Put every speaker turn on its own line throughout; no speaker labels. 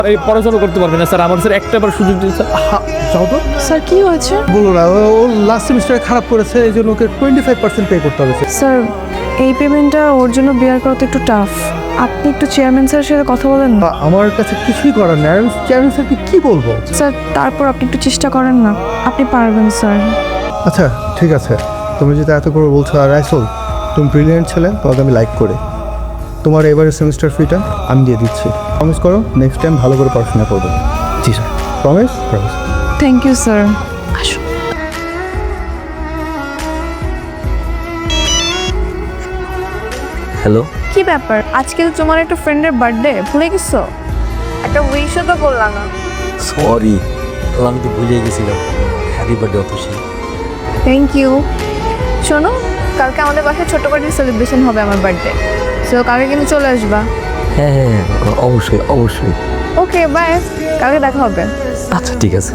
এই পড়াশোনা করতে পারবে না স্যার, আমার স্যার একটা বার সুযোগ দিন স্যার।
যাও তো।
স্যার কি হয়েছে?
বলো না, ও লাস্ট সেমিস্টারে খারাপ করেছে, এই জন্য ওকে 25% পে করতে হবে।
স্যার এই পেমেন্টটা ওর জন্য বেয়ার করা তো একটু টাফ। আপনি একটু চেয়ারম্যান স্যারের সাথে কথা বলেন না।
আমার কাছে কিছুই করার নেই, আমি চেয়ারম্যান স্যারকে কী বলবো?
স্যার তারপর আপনি একটু চেষ্টা করেন না, আপনি পারবেন স্যার।
আচ্ছা ঠিক আছে, তুমি যেটা এত করে বলছো। আর রাইসুল, তুমি ব্রিলিয়েন্ট ছেলে, তোমাকে আমি লাইক করি। তোমার এবারের সেমিস্টার ফিটা আমি দিয়ে দিচ্ছি। প্রমিস করো নেক্সট টাইম ভালো করে পড়াশোনা করবে।
জি sir.
Promise? Promise.
Thank you sir. আসুন।
হ্যালো,
কি ব্যাপার, আজকে তো তোমার একটা ফ্রেন্ডের বার্থডে, ভুলে গেছো? একটা উইশও তো করলাম না।
সরি, আমি তো ভুলে গেছিলাম। Happy birthday Atasi.
Thank you. শোনো, কালকে আমাদের বাসায় ছোট করে সেলিব্রেশন হবে আমার বার্থডে, সো কালকে কিন্তু চলে আসবা।
হ্যাঁ হ্যাঁ হ্যাঁ, অবশ্যই অবশ্যই।
ওকে বাই, কালকে দেখা হবে।
আচ্ছা ঠিক আছে।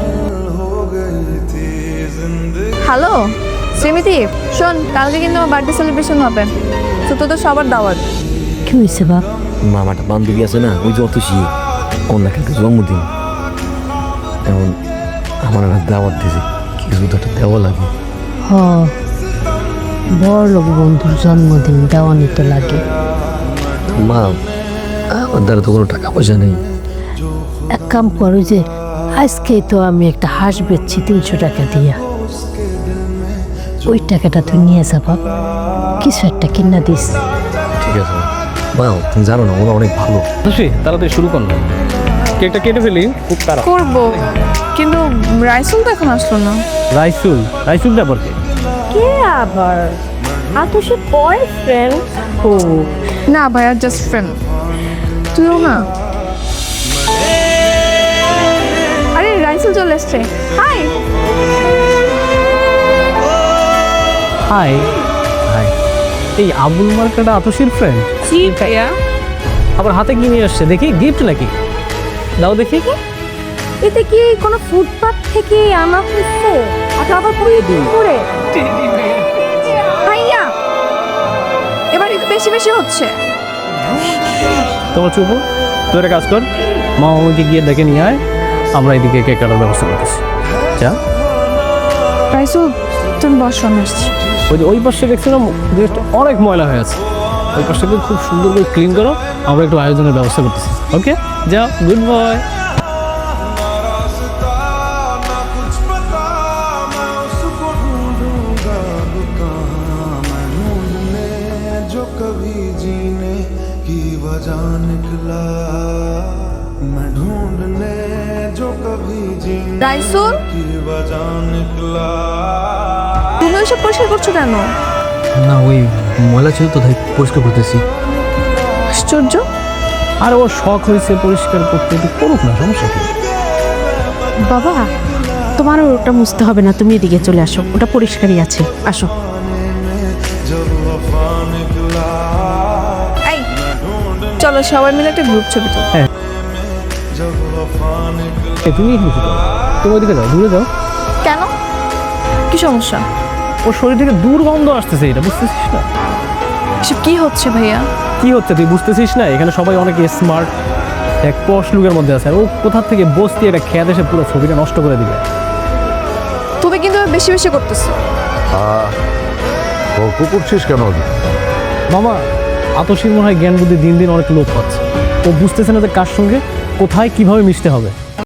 হ্যালো শ্রীমিতি, শোন কালকে কিন্তু আমার বার্থডে সেলিব্রেশন হবে, তো তোদের সবার দাওয়াত।
কি হয়েছে বাপ?
মামাটা বান্ধবী আছে না, ওই যে অতসী, ওর না কিন্তু জন্মদিন। এখন আমার একটা দাওয়াত দিয়েছে, কিছু তো একটা দেওয়া লাগে।
হ, বড় লোক বন্ধুর জন্মদিন দেওয়া নিতে লাগে।
মা, আমার দ্বারা তো কোনো টাকা পয়সা নেই।
এক কাম করো, যে আজকেই তো আমি একটা হাঁস বেচছি 300 টাকা দিয়া, ওই টাকাটা তুই নিয়ে যা বাপ, কিছু একটা কিনা দিস।
ঠিক আছে মা, তুমি জানো না ওরা অনেক ভালো।
খুশি, তাড়াতাড়ি শুরু করো। কেকটা কেটে ফেলি, খুব তাড়া।
করবো, কিন্তু রাইসুল তো এখন আসলো না।
রাইসুল? রাইসুল ব্যাপার কে?
কে আবার? আতসে বয়ফ্রেন্ড? ও
না ভাইয়া, জাস্ট ফ্রেন্ড। তুইও না? আরে রাইসুল চলে এসছে। হাই।
হাই। হাই। এই আবুল মার্কাটা আতসীর ফ্রেন্ড?
জি ভাইয়া।
আবার হাতে কি নিয়ে আসছে দেখি, গিফট নাকি? দাও দেখি।
এতে কি কোনো ফুটপাথ থেকে আনা হচ্ছে? আবার করে
ভাইয়া এবার একটু বেশি বেশি হচ্ছে।
তোমার চুপ, তুই একটা কাজ কর, মা আমাকে গিয়ে ডেকে নিয়ে আয়, আমরা এদিকে কেক কাটার ব্যবস্থা করতেছি। যা।
রাইসুল তুমি বসো, আমি আসছি।
ওই পাশে দেখছিলাম জিনিসটা অনেক ময়লা হয়ে আছে, ওই পাশটাকে খুব সুন্দর করে ক্লিন করো, আমরা একটু আয়োজনের ব্যবস্থা করতেছি। ওকে যাও, গুড বয়।
जो कभी जीने की वजह निकला, मैं ढूंढने जो कभी जीने
রাইসুল
की वजह निकला।
তুমি ওইসব পরিষ্কার করছো কেন?
না, ওই ময়লা ছিল তো তাই পরিষ্কার করতেছি।
আশ্চর্য।
আর ও শখ হয়েছে পরিষ্কার করতে, একটু করুক না, সমস্যা কি?
বাবা, তোমারও ওটা মুছতে হবে না, তুমি এদিকে চলে আসো, ওটা পরিষ্কারই আছে, আসো।
जब वफा निकला,
এই চলো সবাই মিলে একটা গ্রুপ ছবি তুলি।
जब वफा निकला।
এই তুমি এখানে কি করো? তুমি ওইদিকে যাও, দূরে যাও।
কেন, কি সমস্যা?
ওর শরীর থেকে দুর্গন্ধ আসতেছে, এটা বুঝতেছিস না?
এসব কি হচ্ছে ভাইয়া?
কি হচ্ছে তুই বুঝতেছিস না? এখানে সবাই অনেক স্মার্ট, এক পশ লুকের মধ্যে আছে, আর ও কোথা থেকে বসতি এটা খেয়াল এসে পুরো ছবিটা নষ্ট করে দিবে।
তুমি কিন্তু বেশি বেশি করতেছো।
গল্প করছিস কেন?
মামা, আতসীর মনে হয় জ্ঞান বুদ্ধি দিন দিন অনেক লোপ পাচ্ছে, ও বুঝতেছে না যে কার সঙ্গে কোথায় কিভাবে মিশতে হবে।